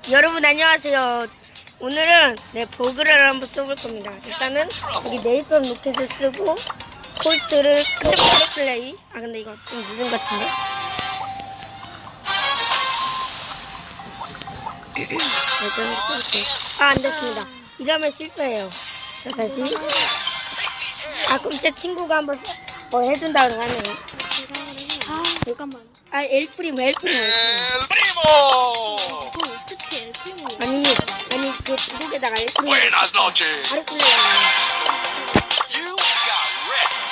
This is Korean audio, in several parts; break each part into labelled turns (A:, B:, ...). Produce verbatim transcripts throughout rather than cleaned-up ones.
A: 여러분 안녕하세요. 오늘은 네 버그를 한번 써볼 겁니다. 일단은 여기 네이버 로켓을 쓰고 콜트를 핸드폰 플레이. 아 근데 이거 좀 늦은 것 같은데. 아 안됐습니다. 이러면 실패해요. 자 다시. 아 그럼 제 친구가 한번 뭐 해준다고 하네요.
B: 아 잠깐만.
A: 아 엘프리모 엘프리모
C: ¡Primo!
B: 그걸 어떻게 엘프리모?
A: 아니 아니 그 중국에다가 엘프리모
C: Buenas noches.
A: 바로 끌려요.
C: You got wrecked.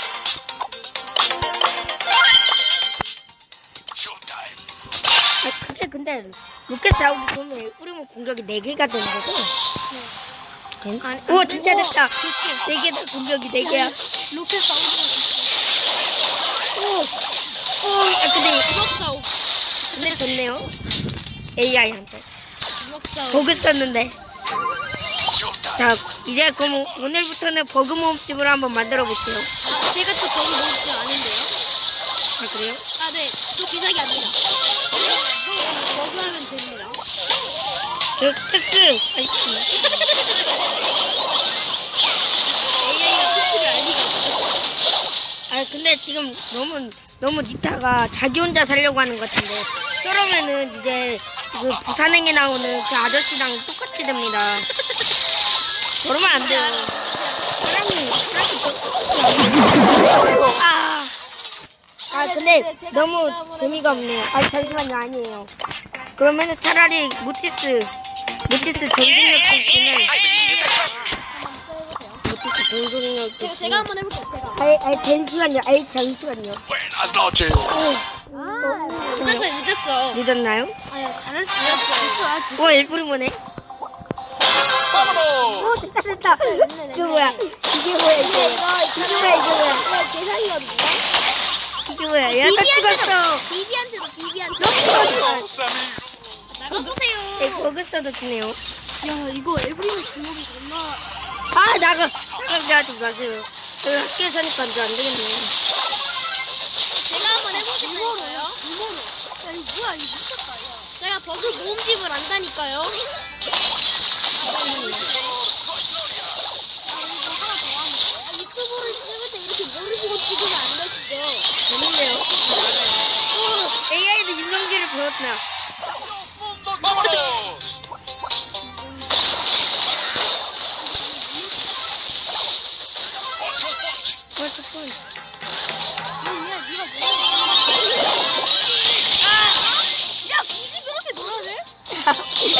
C: Showtime.
A: 아 근데 근데 로켓 나오기 보면 엘프리모 공격이 네 개가 되는 거죠? 네.
B: 아니,
A: 우와
B: 안
A: 진짜
B: 되고.
A: 됐다. 네 개다 공격이 네 개야.
B: 로켓 싸우고
A: 오, 오, 아 근데
B: 부력 싸우.
A: 근데 좋네요. 에이아이한테
B: 부력 싸우.
A: 버그 썼는데.
C: Showtime.
A: 자 이제 그럼 오늘부터는 버그 모음집을 한번 만들어 볼게요.
B: 아, 제가 또 거기 모으지 않은데요?
A: 아 그래요?
B: 아 네, 또 기사기 아닙니다. 버그 하면 됩니다.
A: 저 패스. 아이씨.
B: 에이아이가 패스를 알 리가 없죠.
A: 아 근데 지금 너무 너무 니타가 자기 혼자 살려고 하는 것 같은데 그러면은 이제 그 부산행에 나오는 그 아저씨랑 똑같이 됩니다. 그러면 안 돼요. 사람이 사람이 아, 아 근데 너무 재미가 없네요. 아 잠시만요 아니에요. 그러면은 차라리 모티스 모티스 정신력 있으면 모티스 정신력
B: 제가 제가 한번 해볼게요. 제가.
A: 아이 아이 잠시만요. 아이 잠시만요.
C: Buenas noches.
B: 아, 늦었어, 늦었어.
A: 늦었나요?
B: 아, 잘할 수 있었어.
A: 와 일부리모네.
C: Vámonos.
A: 오 됐다 됐다. 이거 뭐야? 이게 뭐야 이게? 이게 뭐야 이게 뭐야?
B: 계산이거든요.
A: 이게 뭐야? 야 딱 죽었어.
B: 비비한테도 비비한테.
C: Vamos, amigos.
B: 나가보세요.
A: 네, 버그 써도 지네요.
B: 야, 이거 엘브리모 주먹이 겁나.
A: 아 나가 나가지 마세요. 여기 학교에 사니까 이제 안 되겠네.
B: 제가 한번 해보겠다니까요. 이모노. 야, 이거 뭐야, 이거 미쳤다, 야. 제가 버그 모음집을 안다니까요. 유튜브를 찍을 때 이렇게 모르시고 찍으면 안 되시죠?
A: 재밌네요. 에이아이도 인성질을 보였나?
C: Vámonos.
A: 벌써 폰.
B: 야, 니가 뭐야? 아! 야, 굳이 그렇게 놀아도 돼?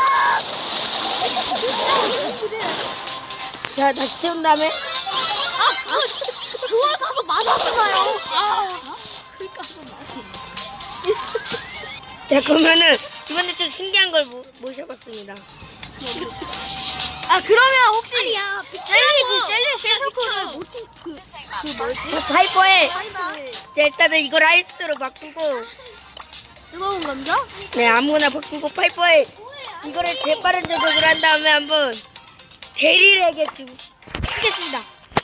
A: 자 다시 채운 다음에
B: 아, 그거, 그걸 가서 맞았잖아요. 아, 그걸 가서 맞았
A: 자 그러면은 이번에 좀 신기한 걸 모, 모셔봤습니다.
B: 아, 그러면 혹시. 아니야, 셀리, 그, 셀리, 셀리코를 모티, 그, 그 뭐지?
A: 자 파이퍼에
B: 아니다.
A: 자, 일단은 이걸 아이스로 바꾸고
B: 뜨거운 감자?
A: 네 아무거나 바꾸고 파이퍼에 이거를 재빠른 조작을 한 다음에 한번 대리에게 주고 하겠습니다.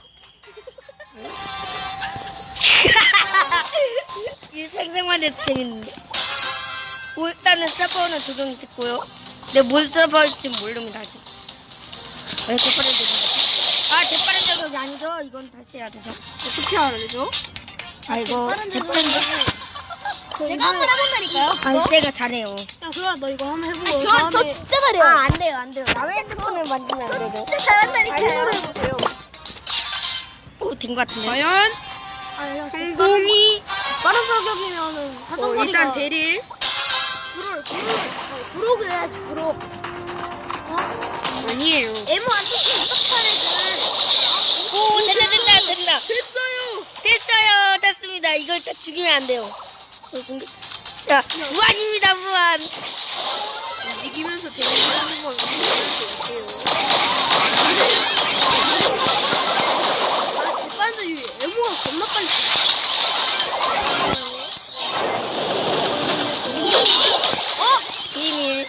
A: 이 생생만해 재밌는데. 뭐, 일단은 서버는 조정 됐고요. 근데 뭔 서버일지 모릅니다 아직. 왜 재빠른 조작? 아 재빠른 조작이 아니죠? 이건 다시 해야 되죠.
B: 어떻게 알아내죠?
A: 아 이거 재빠른 조작.
B: 제가 한번 해본다니까요?
A: 아 제가 잘해요.
B: 야, 그럼 너 이거 한번 해보고. 저, 저 진짜 잘해요.
A: 아 안 돼요 안 돼요. 남의 핸드폰을 만지면 안 되죠.
B: 진짜 잘한다니까요.
A: 해보세요. 오된 것 같은데.
B: 과연?
A: 성공이
B: 빠른 저격이면은 사정거리가.
A: 일단 대릴.
B: 브로를, 브로를, 브로그를 해야지, 브로.
A: 아니에요.
B: 에모 안 찍히면 어떡하래,
A: 오 됐다 됐다 됐다. 됐어요. 됐어요 됐습니다. 이걸 딱 죽이면 안 돼요. 어, 공격. 자 무한입니다 무한.
B: 움직이면서 대리하는 건 어때요? 아, 빨리 에모가 겁나 빨리.
A: 비밀.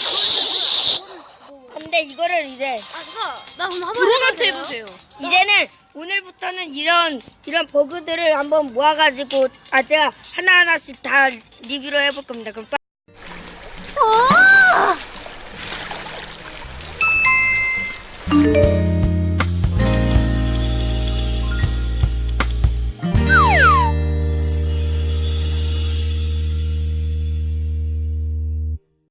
A: 근데 이거를 이제
B: 아, 그거, 나 그럼 한번 브로한테 해보세요.
A: 이제는 오늘부터는 이런 이런 버그들을 한번 모아가지고 아 제가 하나 하나씩 다 리뷰를 해볼 겁니다. 그럼.